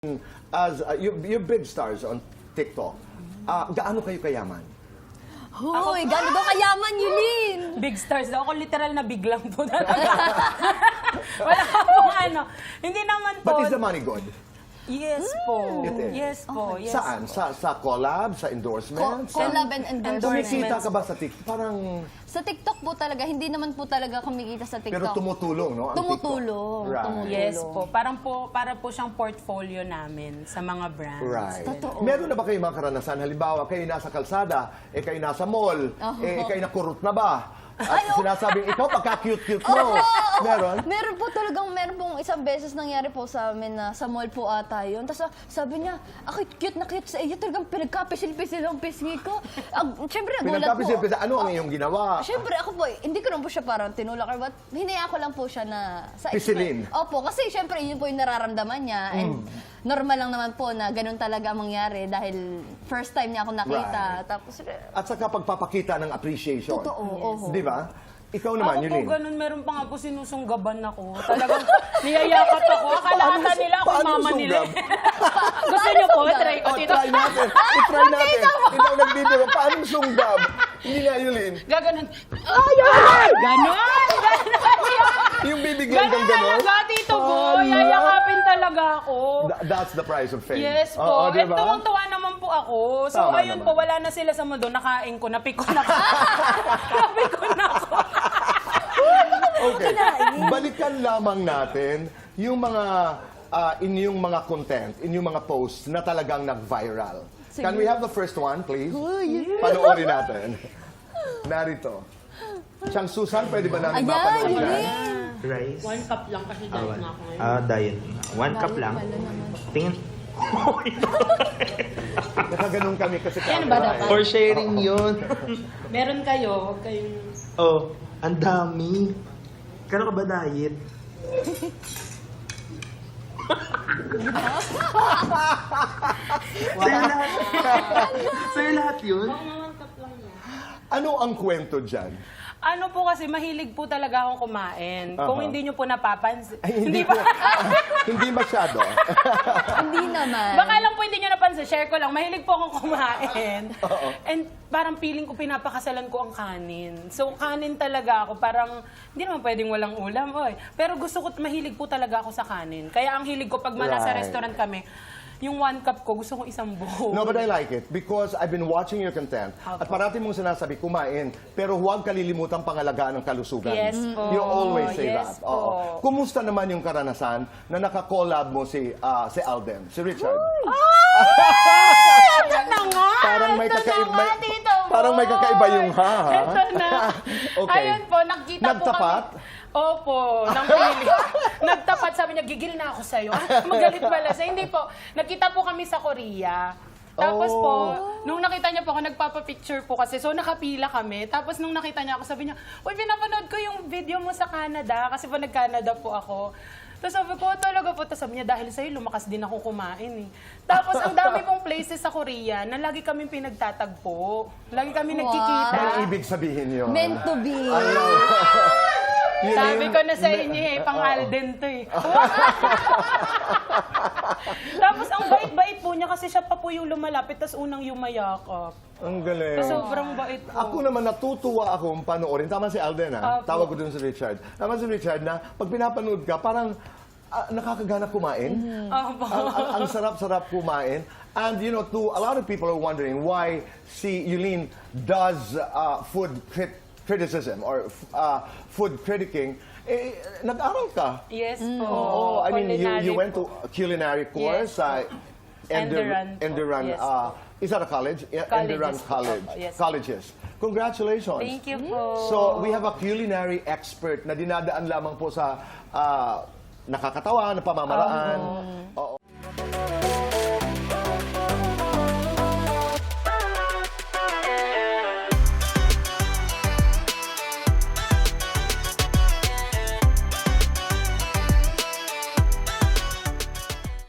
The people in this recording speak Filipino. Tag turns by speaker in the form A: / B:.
A: As you're big stars on TikTok, gaano kayo kayaman?
B: Hoy, gano'n daw kayaman, Yulin!
C: Big stars daw. Ako literal na big lang po talaga. Wala pong ano. Hindi naman po.
A: But is the money good?
C: Yes po.
A: It is.
C: Yes po. Yes.
A: Saan? Sa collab? Sa endorsements?
B: Collab and endorsements.
A: Kumikita ka ba sa TikTok? Parang...
B: Sa TikTok po talaga, hindi naman po talaga kumikita sa TikTok.
A: Pero tumutulong, no? Ang
B: Tumutulong.
A: TikTok. Right.
B: Tumutulong.
C: Yes po. Para po siyang portfolio namin sa mga brands.
A: Right.
B: Totoo.
A: Meron na ba kayo mga karanasan? Halimbawa, kayo nasa kalsada, kayo nasa mall, kayo nakurot na ba? At sinasabing, ikaw pagka-cute-cute mo. Meron?
B: Meron pong isang beses nangyari po sa amin na sa mall po ata yun. Tapos sabi niya, ako cute na cute sa iyo. Talagang pinagkapisil-pisil ang pisngi ko. Siyempre, nagulat po.
A: Pinagkapisil-pisil. Ano ang iyong ginawa?
B: Siyempre, ako po, hindi ko naman po siya parang tinulak or what. Hinaya ko lang po siya na...
A: Pisilin.
B: Opo, kasi siyempre, yun po yung nararamdaman niya. And normal lang naman po na ganun talaga ang mangyari dahil first time niya ako nakita.
A: Right.
B: Tapos,
A: At saka pagpapakita ng appreciation.
B: Totoo, oho.
A: Di ba? Ikaw naman,
C: Ako po
A: Yulin.
C: ganun, meron pa nga po sinusunggaban ako. Talagang niyayakap ako. Akala ata nila ako
A: Paano
C: mama nila.
A: sunggab?
C: Gusto niyo po? Try ko.
A: Oh, try natin. I-try natin. Ikaw nagbibiro. Paano sunggab? Hindi nga, Yulin.
C: Gaganon. Ganon!
A: Yung bibigyan kang
C: Ganon
A: gano'n.
C: talaga, Tito Boy. Yayakapin talaga ako.
A: That's the price of fame.
C: Yes po.
A: Oo,
C: And
A: diba?
C: tuwang-tuwa naman po ako. So
A: Tama
C: ayun
A: naman.
C: po, wala na sila sa mundo. Nakain ko, napiko na ako. Napiko na ako.
A: Okay. Balikan lamang natin yung mga inyong mga content, inyong mga posts na talagang nag-viral. Can we have the first one, please? Panoorin natin. Narito. Siyang Susan, pwede ba namin mapanood yan?
D: Rice.
C: 1 cup lang kasi diet na ako ngayon.
D: Diet. 1 cup lang. Tingin.
A: Nakaganon kami kasi
C: Yan ba
A: camera,
C: dapat?
D: For sharing yun.
C: Meron kayo, huwag kayong...
D: Oh, ang dami. Kano ka ba diet? Sa'yo lahat yun?
A: Ano ang kwento dyan?
C: Ano po kasi, mahilig po talaga akong kumain. Kung hindi nyo po napapansin.
A: Ay, hindi po. Hindi masyado.
B: Hindi naman.
C: Baka lang po hindi nyo napansin, share ko lang. Mahilig po akong kumain. And parang feeling ko pinapakasalan ko ang kanin. So kanin talaga ako. Parang hindi naman pwedeng walang ulam. Oy. Pero gusto ko, mahilig po talaga ako sa kanin. Kaya ang hilig ko pag nasa
A: Right.
C: restaurant kami, yung 1 cup ko, gusto kong isang buo.
A: No, but I like it because I've been watching your content at parati mong sinasabi, kumain, pero huwag kalilimutan pangalagaan ng kalusugan.
C: Yes po.
A: You always say
C: Yes
A: that.
C: po.
A: Kumusta naman yung karanasan na naka-collab mo si Alden, si Richard?
C: Ito na nga!
A: Parang may
C: Ito
A: kakaiba,
C: na nga, Tito Boy!
A: parang may kakaiba yung ha.
C: Ito na.
A: Okay.
C: Ayun po, nagkita
A: Nagtapat?
C: po kami. Opo, nang pili. Nagtapat, sabi niya, gigil na ako sa'yo. Magalit pala siya. Hindi po, nagkita po kami sa Korea. Tapos po, nung nakita niya po ako, nagpapapicture po kasi. So, nakapila kami. Tapos, nung nakita niya ako, sabi niya, uy, pinapanood ko yung video mo sa Canada. Kasi po, nag-Canada po ako. Tapos sabi ko, talaga po. Tapos sabi niya, dahil sa'yo, lumakas din ako kumain eh. Tapos, ang dami pong places sa Korea na lagi kami pinagtatagpo. Lagi kami nagkikita.
A: May ibig sabihin yun.
B: Meant to be.
C: Sabi ko na sa inyo eh, pang Alden to eh. Tapos ang bait-bait po niya kasi siya pa po yung lumalapit tapos unang yumayakap.
A: Ang galing.
C: Sobrang bait po.
A: Ako naman natutuwa akong panoorin. Tama si Alden, ha?
C: Opo.
A: Tawag ko dun si Richard. Tama si Richard na pag pinapanood ka, parang nakakagana kumain.
C: Opo.
A: Ang sarap-sarap kumain. And you know, to a lot of people are wondering why si Yulin does food criticism or food critiquing. Nag-aral ka.
C: Yes po.
A: Oh, I mean, you
C: Culinary
A: went
C: po.
A: to a culinary course.
C: Enderun po.
A: Enderun.
C: Yes po.
A: Is that a college? Yeah,
C: Colleges
A: Enderun
C: po.
A: College.
C: Yes.
A: Colleges. Congratulations.
C: Thank you po.
A: So, we have a culinary expert na dinadaan lamang po sa nakakatawa, na pamamaraan. Oo.